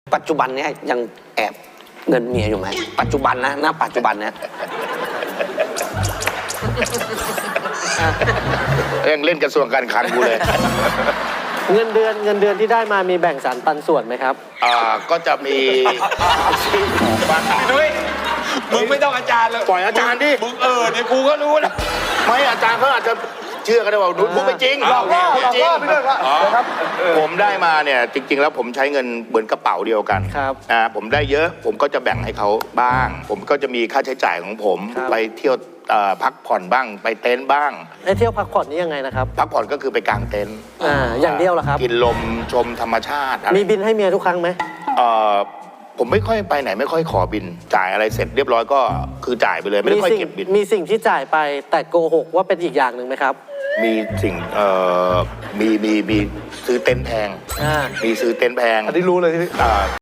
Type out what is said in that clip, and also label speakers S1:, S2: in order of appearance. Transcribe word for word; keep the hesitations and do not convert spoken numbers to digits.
S1: ปัจจุบันเนี้ยยังแอบเงินเมียอยู่ไหมปัจจุบันนะณปัจจุบันเนี้ย
S2: ยังเล่นกระทรวงการคลังกูเลย
S3: เงินเดือนเงินเดือนที่ได้มามีแบ่งสรรปันส่วนไหมครับ
S2: อ่าก็จะมีซื้อของบ้าง
S4: นุ้ยมึงไม่ต้องอาจารย์เลย
S2: ปล่อยอาจารย์ดิ
S4: มึงเออเนี่ยกูก็รู้นะ
S2: ไม่อาจารย์เขาอาจจะเชื่อกันได้ว่าดูพูดไม่จริง
S4: หลอกล่อ
S2: พูดจริง
S4: หลอกล่อไปด้วยครับ
S2: อ๋อผมได้มาเนี่ยจริง ๆ แล้วผมใช้เงินเหมือนกระเป๋าเดียวกัน
S3: ครับ
S2: อ่าผมได้เยอะผมก็จะแบ่งให้เขาบ้าง ผมก็จะมีค่าใช้จ่ายของผม
S3: ครับ
S2: ไปเที่ยวเอ่อพักผ่อนบ้างไปเต็นท์บ้าง
S3: ไอ้เที่ยวพักผ่อนนี่ยังไงนะครับ
S2: พักผ่อนก็คือไปกางเต็นท์
S3: อ่าอย่างเดียวเหรอครับ
S2: กินลมชมธรรมชาติอะไร
S3: มีบินให้เมียทุกครั้งไหม
S2: เอ่อผมไม่ค่อยไปไหนไม่ค่อยขอบิน จ่ายอะไรเสร็จเรียบร้อยก็คือจ่ายไปเลยไม่ได้ค่อย
S3: สิ่ง
S2: เก็บบิน
S3: มีสิ่งที่จ่ายไปแต่โกหกว่าเป็นอีกอย่างหนึ่งไหมครับ
S2: มีสิ่งเอ่อมีมีมีซื้อเต็นท์แพง
S3: อ่า
S2: มีซื้อเต็นท์แพง
S4: อันนี้รู้เลยที่
S2: อ่า